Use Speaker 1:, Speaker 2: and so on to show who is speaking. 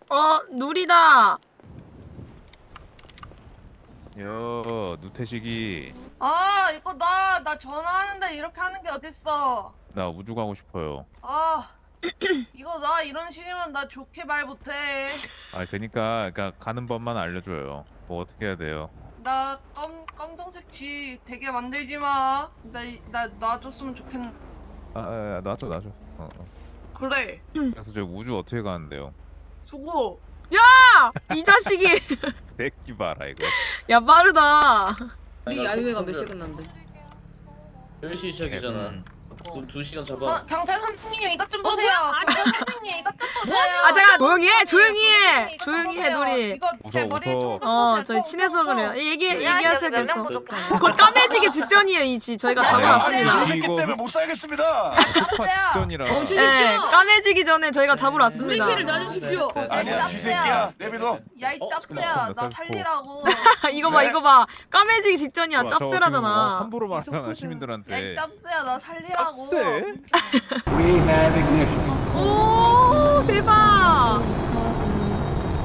Speaker 1: 누리다.
Speaker 2: 누태식이.
Speaker 3: 아 이거 나 전화하는데 이렇게 하는 게 어딨어.
Speaker 2: 나 우주 가고 싶어요.
Speaker 3: 아 이거 나 이런 식이면 나 좋게 말 못해.
Speaker 2: 그러니까 가는 법만 알려줘요. 뭐 어떻게 해야 돼요?
Speaker 3: 나 검정색 쥐 되게 만들지 마. 나 놔줬으면 좋겠는.
Speaker 2: 놔줘.
Speaker 3: 그래.
Speaker 2: 그래서 저 우주 어떻게 가는데요?
Speaker 3: 수고.
Speaker 1: 이 자식이.
Speaker 2: 새끼 봐라 이거.
Speaker 1: 야 빠르다.
Speaker 4: 우리 야유회가 몇 시에 끝난대?
Speaker 5: 10시 시작이잖아. 그럼 2시간 잡아.
Speaker 3: 경찰 선생님 이것 좀 보세요. 경찰 선생님 이것 좀 보세요.
Speaker 1: 잠깐 조용히 해 누리.
Speaker 3: 이거 제
Speaker 2: 웃어,
Speaker 3: 머리에
Speaker 2: 웃어.
Speaker 3: 총 보세요.
Speaker 1: 저희 친해서 그래요. 얘기하세요
Speaker 3: 몇 명
Speaker 1: 계속.
Speaker 3: 부족하냐?
Speaker 1: 곧 까매지기 직전이에요 이지. 저희가 잡으러
Speaker 2: 야,
Speaker 1: 왔습니다.
Speaker 6: 이 새끼
Speaker 2: 이거-
Speaker 6: 때문에 못 살겠습니다.
Speaker 2: 폭파 직전이라.
Speaker 1: 네, 까매지기 전에 저희가 잡으러 왔습니다.
Speaker 4: 분실을 놔주십시오.
Speaker 6: 아니야 뒤새끼야 내비둬.
Speaker 3: 야이 짭새야
Speaker 2: 잠깐만,
Speaker 3: 나
Speaker 2: 나
Speaker 3: 살리라고.
Speaker 1: 이거 봐. 까매지기 직전이야.
Speaker 2: 저거 지금
Speaker 1: 짭새라잖아.
Speaker 2: 함부로 말하잖아
Speaker 3: 야이
Speaker 2: 시민들한테.
Speaker 3: 짭새야 나 살리라고.
Speaker 2: 짭새?
Speaker 1: 오 대박.